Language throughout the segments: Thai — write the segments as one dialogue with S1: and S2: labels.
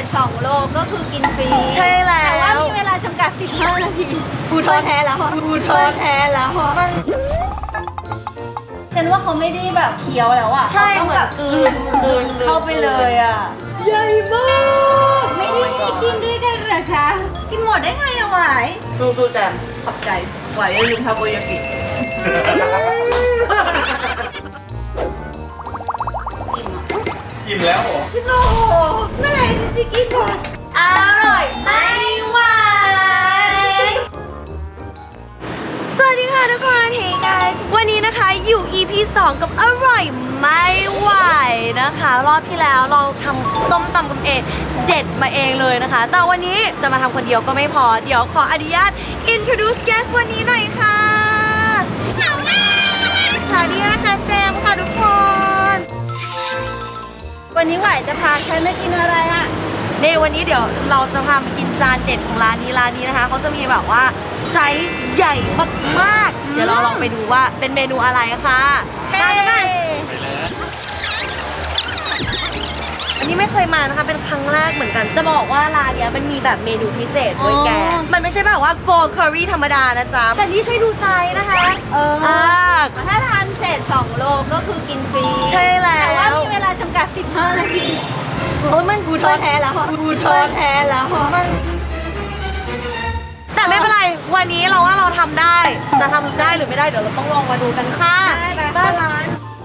S1: 2 โลก็คือกินฟรี
S2: ใช่แล้ว
S1: แต่ว่ามีเวลาจำกัด15 นาทีกูท้อแท้แล้วกูท้อแท้แล้วฉันว่าเขาไม่ได้แบบเคี้ยวแล้วอ่ะ
S2: ใช่
S1: ต้องแบบกลืนเข้าไปเลยอ่ะ
S2: ใหญ่มาก
S1: ไม่ได้กินด้วยกันเหรอคะกินหมดได้ไงอะหวาย
S2: สู้ๆแต่
S1: ขอบใจ
S2: ไหวอย่าลืมทาโกยากิ
S3: อิ่มแล้วเหรอ
S1: ฉันโอ้โหเมื่อไหร่ฉันจะกินหมด
S2: อร่อยไม่ไหวสวัสดีค่ะทุกคน Hey guys วันนี้นะคะอยู่ EP 2 กับอร่อยไม่ไหวนะคะ รอบที่แล้วเราทำส้มตำกันเองเด็ดมาเองเลยนะคะ แต่วันนี้จะมาทำคนเดียวก็ไม่พอ เดี๋ยวขออนุญาต introduce guest วันนี้หน่อยค่ะค่ะนี่นะคะแจมค่ะทุกคน
S1: วันนี้หวายจะพาฉันมากินอะไรอะ
S2: ในวันนี้เดี๋ยวเราจะพามากินจานเด็ดของร้านนี้นะคะเขาจะมีแบบว่าไซส์ใหญ่มากๆเดี๋ยวเราลองไปดูว่าเป็นเมนูอะไรค่ะตามกันไปอันนี้ไม่เคยมานะคะเป็นครั้งแรกเหมือนกันจะบอกว่าร้านเนี้ยมันมีแบบเมนูพิเศษด้วยแกมันไม่ใช่แบบว่าโกลด์เคอรี่ธรรมดานะจ๊ะแต่นี่ช่วยดูไซส์นะคะ
S1: ถ้าทานเสร็จ2 โลก็คือกินฟรี
S2: ใช่แล้ว
S1: แต่ว่ามีเวลาจำกัด15 นาทีโอ้ยมันกูท้อแท้แล้วกูท้อแท้แล้ว
S2: แต่ไม่เป็นไรวันนี้เราว่าเราทำได้จะทำได้หรือไม่ได้เดี๋ยวเราต้องลองมาดูกันค่ะบ้านร้าน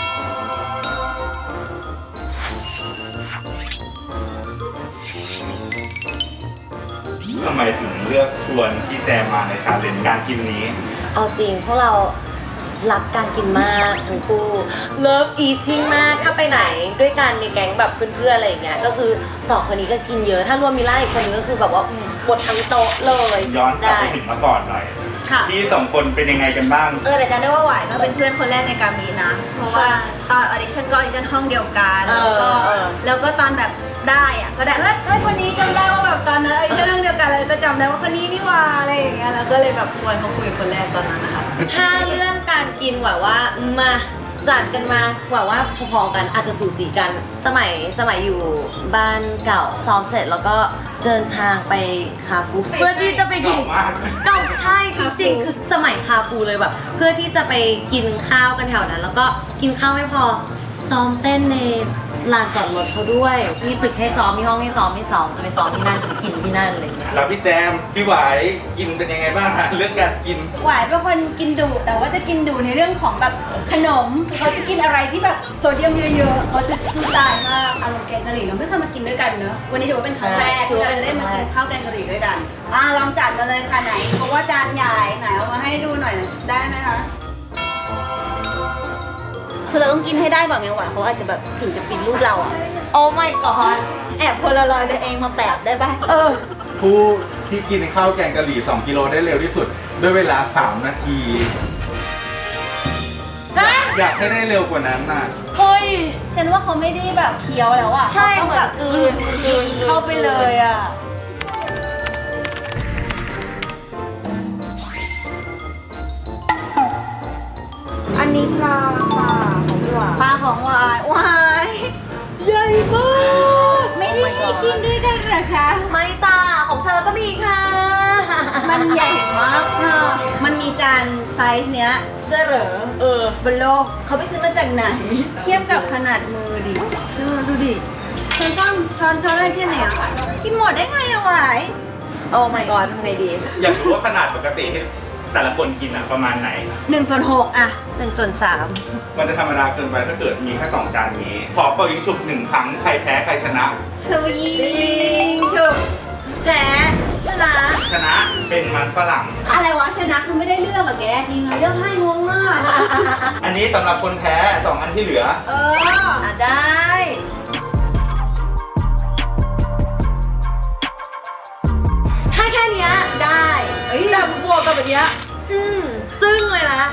S3: ทำไมถึงเลือกชวนพี่แจมมาในชาเลนจ์การกินนี้
S2: เอาจริงพวกเรารักการกินมากทั้งคู่ Love eating มากถ้าไปไหนด้วยกันในแก๊งแบบเพื่อนๆอะไรอย่างเงี้ยก็คือ2 คนนี้ก็กินเยอะถ้ารวมมิล่าอีกคนนึงก็คือแบบว่าหมดทั้งโต๊ะเลย
S3: ย้อนกลับไปถึงเมื่อก่อนหน่อย
S1: ค่ะ
S3: พี่2 คนเป็นยังไงกันบ้าง
S1: แต่จำได้ว่าหวายก็เป็นเพื่อนคนแรกในการมีนะ เพราะว่าตอนออดิชั่นก็ออดิชั่นห้องเดียวกันแล้วก็ตอนแบบได้อะก็ได้เฮ้ยคนนี้จำได้ว่าแบบตอนนั้นออดิชั่นห้องเดียวกันเลยก็จำได้ว่าคนนี้นี่ว่าอะไรอย่างเงี้ยแล้วก็เลยแบบชวนเขาคุยคนแรกตอนนั้นนะคะ
S2: ถ้าเรื่องการกินหว่าว่ามาจัดกันมาหว่าว่าพอๆกันอาจจะสูสีกันสมัยอยู่บ้านเก่าซ้อมเสร็จแล้วก็เดินทางไปคาฟูเพื่อที่จะไปกิน
S3: เก่ามาก
S2: เก่าใช่จริงๆคือสมัยคาฟูเลยแบบเพื่อที่จะไปกินข้าวกันแถวนั้น แล้วก็กินข้าวไม่พอซ้อมเต้นในลานจอดรถเขาด้วยมีตึกให้ซ้อมมีห้องให้ซ้อมจะไปซ้อมที่นั่นจะไปกินที่นั่นอะไรอย่างเงี้ย
S3: แล้วพี่แจมพี่หวายกินเป็นยังไงบ้างฮะเรื่องการกิน
S1: หวายเป็นคนกินดุแต่ว่าจะกินดุในเรื่องของแบบขนมเขาจะกินอะไรที่แบบโซเดียมเยอะๆเขาจะสู้ตายมากอารมณ์แกงกะหรี่เราไม่เคยมากินด้วยกันเนอะวันนี้ถือว่าเป็นครั้งแรกที่เราจะได้มากินข้าวแกงกะหรี่ด้วยกันลองจัดมาเลยค่ะไหนเพราะว่าจานใหญ่ไหนเอามาให้ดูหน่อยได้ไหมคะคือเราต้องกินให้ได้แบบไงหวานเขาอาจจะแบบถึงจะปิดรูปเราอะโอ้ my god แอบโพลารอยด์ตัวเองมาแปะได้ปะ
S3: ผู้ที่กินข้าวแกงกะหรี่2 กิโลได้เร็วที่สุดด้วยเวลา3 นาที อยากให้ได้เร็วกว่านั้นน่ะ
S2: เฮ้ย
S1: ฉันว่าเขาไม่ได้แบบเคี้ยวแล้วอะ
S2: ใช่
S1: เขาแบบกลืนเข้าไปเลยอะ
S2: อันนี้ปลาค่ะของพี่หวาน
S1: ปลาของหวาย
S2: ใหญ่มาก
S1: ไม่ได้กินด้วยกันเหรอคะ
S2: ไม่จ้าของเธอก็มีค่ะ
S1: มันใหญ่มากค่ะมันมีจานไซส์เนี้ยเพื่อเหรอบนโลกเขาไปซื้อมาจากไหนเทียบกับขนาดมือดิดูดิช้อนอะไรแค่ไหนอะกินหมดได้ไงอะหวาย
S2: โอ้ my god ทำไงดี
S3: อยากรู้ว่าขนาดปกติที่แต่ละคนกินอ่ะประมาณไหน
S1: 1/6อะ
S2: 1/3
S3: มันจะธรรมดาเกินไปถ้าเกิดมีแค่2 จานนี้ ขอเป่ายิงฉุบ1 ครั้งใครแพ้ใครชนะ
S1: สวิงชุบ
S2: แพ้นะ
S3: ชนะเป็นมันฝรั่ง
S1: อะไรวะชนะคือไม่ได้เลือกอะแกทีมงานเลือกให้งงมาก
S3: อันนี้สำหรับคนแพ้2 อันที่เหลือ
S2: ได้ถ้าแค่เนี้ยได้แต่บวกกับแบบเนี้ยจึ้งเลยนะ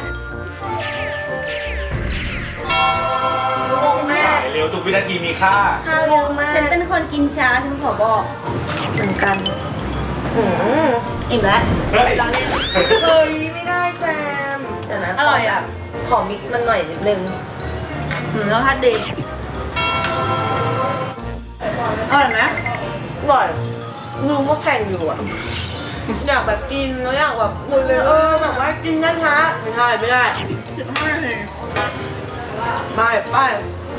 S2: ชั่วโมงแม่
S3: เร็วทุกวินาทีมีค่า
S2: ชั่วโมงแม่
S1: ฉันเป็นคนกินช้าฉันขอบอก
S2: เหมือนกัน
S1: อิ่มแล้ว
S3: เฮ้ย
S2: เฮ้ยไม่ได้แจมเดี๋ยวนะ
S1: อร่อยอะ
S2: ขอมิกซ์มันหน่อยนิดนึง
S1: แล้วทัดดีอร่อยไหม
S2: ร่อยรู้ว่าแข่งอยู่อะอยากแบบกินแล้วอยากแบบคุยเลยแบบว่ากินช้าๆไม่ได้15 นาทีไป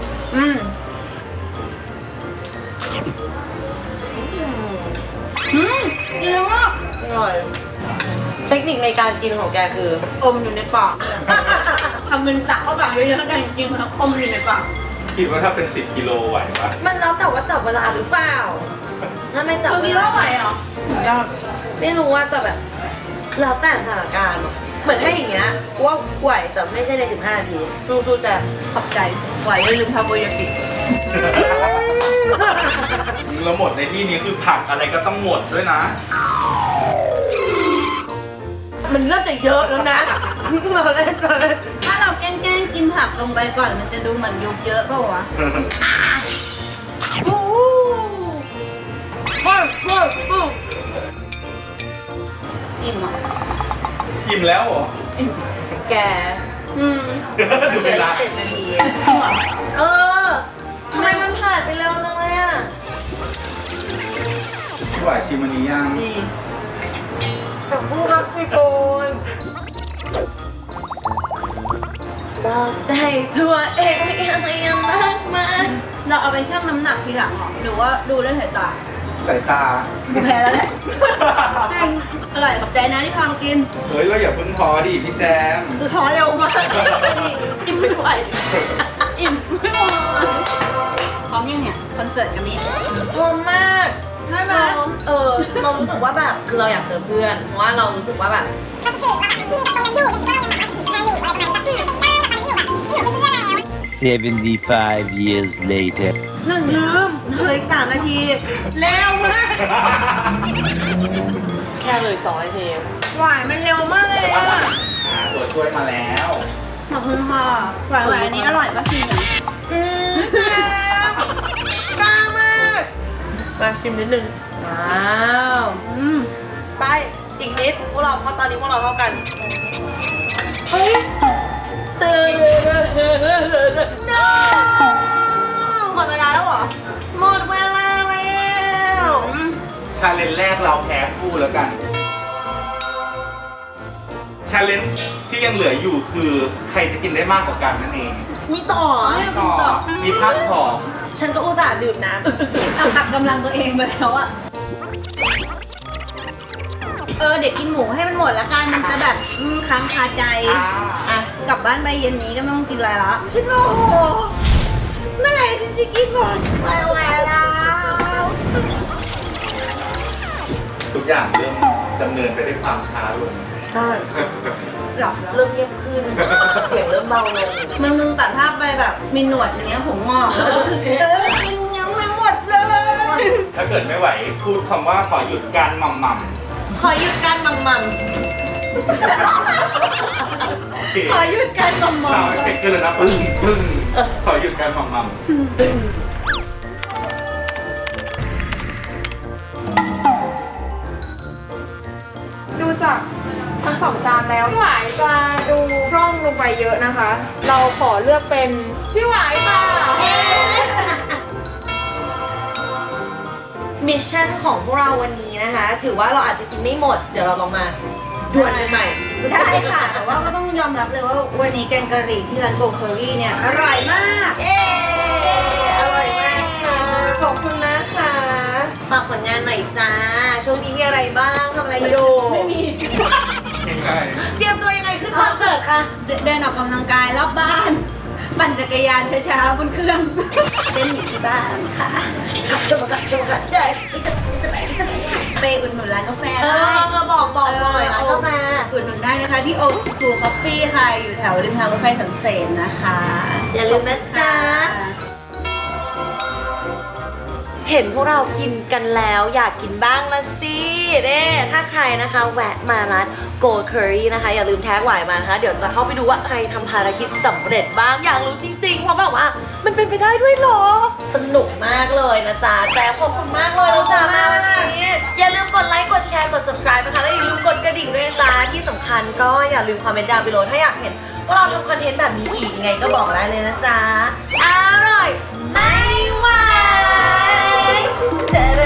S1: ดีมาก
S2: อร่อยเทคนิคในการกินของแกคืออมอยู่ในปาก
S1: ทำเงินตักเข้าปากเยอะๆกันจริงๆแล้วอมอยู่ในปาก
S3: คิดว่าถ้าเป็น10 กิโลไหวปะ
S2: มันแล้วแต่ว่าจับเวลาหรือเปล่าถ้าไม่จับ
S1: คือ
S2: เว
S1: กิน
S2: ลา
S1: แล้วไหวเหรอ
S2: ไม่รู้ว่าแต่แบบแล้วแต่สถานการณ์เหมือนถ้าอย่างเงี้ยว่าไหวแต่ไม่ใช่ใน15 นาทีสู้ๆแต่
S1: ขอบใจไหวอย่าลืมทำโอยากิ
S3: แล้วหมดในที่นี้คือผักอะไรก็ต้องหมดด้วยนะ
S2: มันเริ่มจะเยอะแล้วนะเราเล่นเลย
S1: ถ้าเราแกล้งๆกินผักลงไปก่อนมันจะดูเหมือนยุกเยอะเปล่าวะอิ่มอ่ะ
S3: อิ่มแล้วเหรอ
S2: แก
S3: ดูเวลา
S2: 7 นาทีทำไมมันผ่านไปเร็วจังเลยอ่ะ
S3: ไหวชิมอันนี้ยัง
S1: ดี
S2: ขอบคุณครับพี่โฟนบอกใจตัวเองยังมากมาย
S1: เราเอาไปชั่งน้ำหนักทีหลังเหรอหรือว่าดูด้วยสายตา
S3: สายตา
S1: กูแพ้แล้วแหละจริงอร่อยขอบใจนะที่พามากิน
S3: เฮ้ยว่าอย่าเพิ่งท้อดิพี่แจม
S1: คือท้อเร็วมากอิ่มไม่ไหวอิ่มไม่ไหวพร้อมยังเนี่ยคอนเสิร์ตกับมิ
S2: พร้อมมาก
S1: ใช่ไหม
S2: เรารู้สึกว่าแบบคือเราอยากเจอเพื่อนเพราะว่าเรารู้สึกว่าแบบ
S4: 75 years later.
S2: ลืมเหลืออีก3 นาทีเร็วมากแค่เลย2 นาที
S1: หวานมันเร็วมากเลยอ่ะ
S3: ตัวช่วยมาแล้ว
S1: ขอบคุณค่ะหวานอันนี้อร่อยปะชิมยัง
S2: กล้ามากมาชิมนิดนึงว้าว ไปอีกนิดพวกเราเพราะตอนนี้พวกเราเท่ากันเฮ้ยตื่น no
S1: หมดเวลาแล้วเหรอ
S2: หมดเวลาแล้ว
S3: ชาเลนจ์แรกเราแพ้คู่แล้วกัน ชาเลนจ์ที่ยังเหลืออยู่คือใครจะกินได้มากกว่ากันนั่นเอง
S2: มีต่อ
S3: ก็มีภาคของ
S2: ฉันก็อุตส่าห์ดื่มน้ำ
S1: หักกำลังตัวเองไปแล้วอะเด็กกินหมูให้มันหมดละกันมันจะแบบค้างคาใจอ่ะกลับบ้านไปเย็นนี้ก็ไม่ต้องกินอะไรละฉันโอ้โหเมื่อไหร่ฉันจะกินหมดไปแล้ว
S3: ทุกอย่างเริ่มดำเนินไปด้วยความช้าลง
S2: ใช่
S1: หลับแล้ว
S2: เริ่มเงียบขึ้น เสียงเริ่มเบาลง
S1: มึงตัดภาพไปแบบมีหนวดอย่างเงี้ยผมงอกกินยังไม่หมดเลย
S3: ถ้าเกิดไม่ไหวพูดคำว่าขอหยุดการหม่ำ
S2: ขอหยุดการมัม
S3: โอเค
S1: ขอหยุดการมอม
S3: ข่าวเอฟเฟกต์ขึ้นเลยนะปึ้งปึ้งขอหยุดการหม่ำ
S5: ดูจากทั้ง2 จานแล้วพี่หวายจะดูพร่องลงไปเยอะนะคะ เราขอเลือกเป็นพี่หวายค่ะ
S2: มิชชั่นของพวกเราวันนี้นะคะ ถือว่าเราอาจจะกินไม่หมด เดี๋ยวเราลองมาด่วนกันใหม่
S1: ได้ค่ะ แต่ว่าก็ต้องยอมรับเลยว่าวันนี้แกงกะหรี่ที่ร้านโกเคอรี่เนี่ยอร่อยมาก
S2: เย้อร่อยมากค่ะ ขอบคุณนะคะฝากผลงานหน่อยจ้า ช่วงนี้มีอะไรบ้างทำอะไรอยู่
S1: ไม่มี
S3: ง่าย
S2: เตรียมตัวยังไงขึ้นคอนเสิร์ตคะ
S1: เดินออกกำลังกายรอบบ้าน ปั่นจักรยานช้าๆบนเครื่องเต้นอยู่ที่บ้านค่ะ
S2: ชมกัดใจ
S1: ไปอุดหนุนร้านกาแฟ
S2: บอกหน่อยร้านกาแฟ
S1: อุดหนุนได้นะคะที่ Old School Coffee ค่ะ อยู่แถวริมทางรถไฟสำเสนนะคะ
S2: อย่าลืมนะจ๊ะ เห็นพวกเรากินกันแล้วอยากกินบ้างละสิเด้ถ้าใครนะคะแวะมาร้าน Go Curry นะคะอย่าลืมแท็กหวายมานะคะเดี๋ยวจะเข้าไปดูว่าใครทำภารกิจสำเร็จบ้างอยากรู้จริงๆเพราะแบบว่ามันเป็นไปได้ด้วยเหรอ สนุกมากเลยนะจ๊ะแต่ขอบคุณมากเลยเราสามารถวันนี้อย่าลืมกดไลค์กดแชร์กด subscribe นะคะและอย่าลืมกดกระดิ่งด้วยนะจ๊ะที่สำคัญก็อย่าลืมคอมเมนต์ดาวน์ไปโหลดถ้าอยากเห็นว่าเราทำคอนเทนต์แบบนี้อีกยังไงก็บอกได้เลยนะจ๊ะอร่อยไม่ไหวเจอ